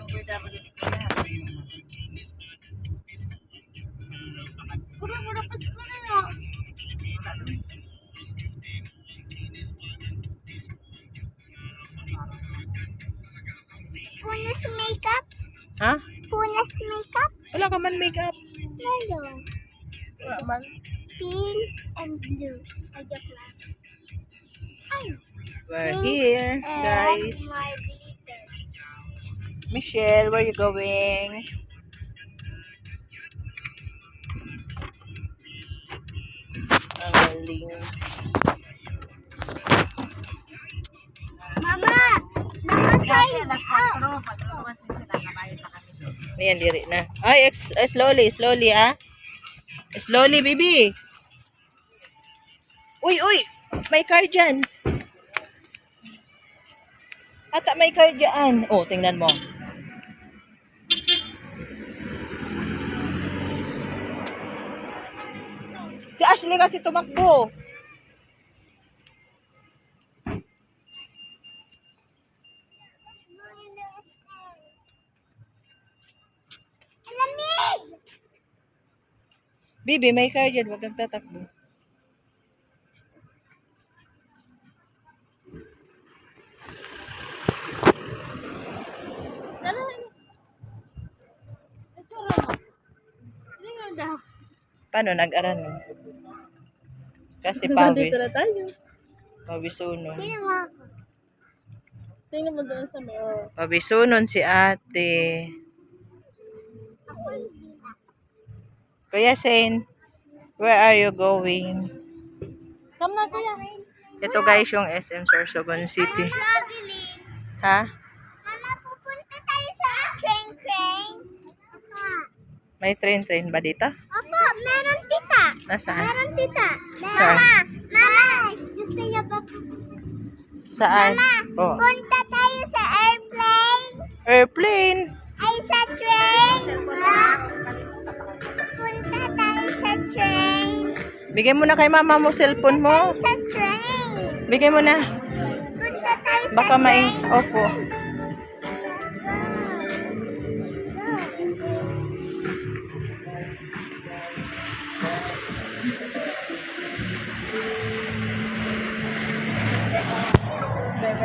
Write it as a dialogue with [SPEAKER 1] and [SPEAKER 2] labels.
[SPEAKER 1] Pura-pura Pasko na nga. Punas makeup?
[SPEAKER 2] Ha?
[SPEAKER 1] Punas makeup?
[SPEAKER 2] Wala ka man makeup.
[SPEAKER 1] Meron.
[SPEAKER 2] Wala man.
[SPEAKER 1] Pink and blue. Ay, joke lang. Ay.
[SPEAKER 2] We're here, guys.
[SPEAKER 1] And my glitter.
[SPEAKER 2] Michelle, where you going? Ang galing.
[SPEAKER 1] Mama! Nakasign up!
[SPEAKER 2] Ayan, diri na. Ay, slowly, slowly, ah. Slowly, baby. Uy, uy. May car dyan. Ata, may car dyan. Oh, tingnan mo. Si Ashley kasi tumakbo.
[SPEAKER 1] Alamig!
[SPEAKER 2] Bibi, may car dyan. Huwag kang tatakbo. Paano nag-aran mo? Kasi pawis. Pawisunon.
[SPEAKER 1] Tingnan mo ako.
[SPEAKER 3] Tingnan mo doon sa mirror.
[SPEAKER 2] Pawisunon si ate.
[SPEAKER 1] Ako hindi na.
[SPEAKER 2] Kuya Sen, where are you going?
[SPEAKER 3] Come na kuya.
[SPEAKER 2] Ito guys yung SM Sorsogon City.
[SPEAKER 1] Traveling.
[SPEAKER 2] Ha?
[SPEAKER 1] Mama, pupunta tayo sa train.
[SPEAKER 2] May train ba dito?
[SPEAKER 1] Opo, meron tita.
[SPEAKER 2] Nasaan?
[SPEAKER 1] Meron tita.
[SPEAKER 2] Saan?
[SPEAKER 1] Mama, gusto niyo pa
[SPEAKER 2] Saan? Oh.
[SPEAKER 1] punta tayo sa airplane?
[SPEAKER 2] Airplane.
[SPEAKER 1] Ay, sa train. Punta tayo sa train.
[SPEAKER 2] Bigay mo na kay mama mo cellphone mo.
[SPEAKER 1] Sa train.
[SPEAKER 2] Bigay mo na.
[SPEAKER 1] Punta tayo sa
[SPEAKER 2] Baka
[SPEAKER 1] train.
[SPEAKER 2] Opo.